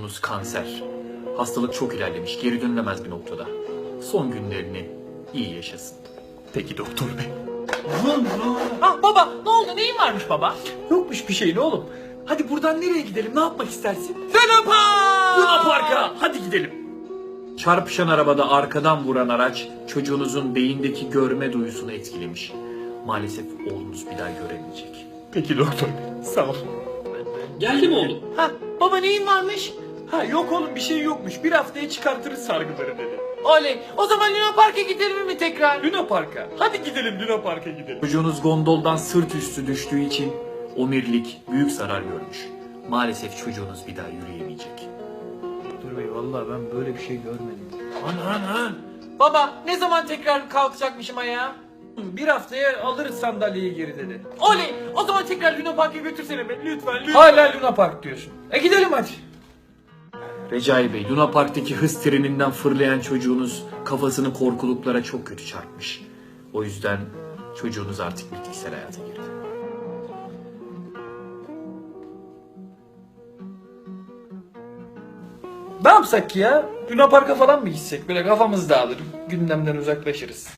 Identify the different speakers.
Speaker 1: Çocuğunuz kanser. Hastalık çok ilerlemiş, geri dönülemez bir noktada. Son günlerini iyi yaşasın.
Speaker 2: Peki doktor bey.
Speaker 3: Ah baba, ne oldu, neyin varmış baba?
Speaker 2: Yokmuş bir şeyin oğlum. Hadi buradan nereye gidelim? Ne yapmak istersin?
Speaker 3: Luna Park!
Speaker 2: Luna Park'a. Hadi gidelim.
Speaker 1: Çarpışan arabada arkadan vuran araç çocuğunuzun beyindeki görme duyusunu etkilemiş. Maalesef oğlunuz bir daha göremeyecek.
Speaker 2: Peki doktor bey. Sağ ol.
Speaker 3: Geldi mi oğlum? Ha baba, neyin varmış?
Speaker 2: Ha yok oğlum bir şey yokmuş. Bir haftaya çıkartırız sargıları dedi.
Speaker 3: Oley, o zaman Luna Park'a gidelim mi tekrar?
Speaker 2: Luna Park'a. Hadi gidelim Luna Park'a gidelim.
Speaker 1: Çocuğunuz gondoldan sırt üstü düştüğü için omirlik büyük zarar görmüş. Maalesef çocuğunuz bir daha yürüyemeyecek.
Speaker 2: Doktor bey vallahi ben böyle bir şey görmedim.
Speaker 3: Anan. Baba, ne zaman tekrar kalkacakmışım ayağa?
Speaker 2: Bir haftaya alırız sandalyeyi geri dedi.
Speaker 3: Oley, o zaman tekrar Luna Park'a götürsene beni lütfen.
Speaker 2: Hala Luna Park diyorsun. Gidelim hadi.
Speaker 1: Recai Bey, Luna Park'taki hız treninden fırlayan çocuğunuz kafasını korkuluklara çok kötü çarpmış. O yüzden çocuğunuz artık bitkisel hayata girdi.
Speaker 2: Ne yapsak ya? Luna Park'a falan mı gitsek? Böyle kafamız dağılır. Gündemden uzaklaşırız.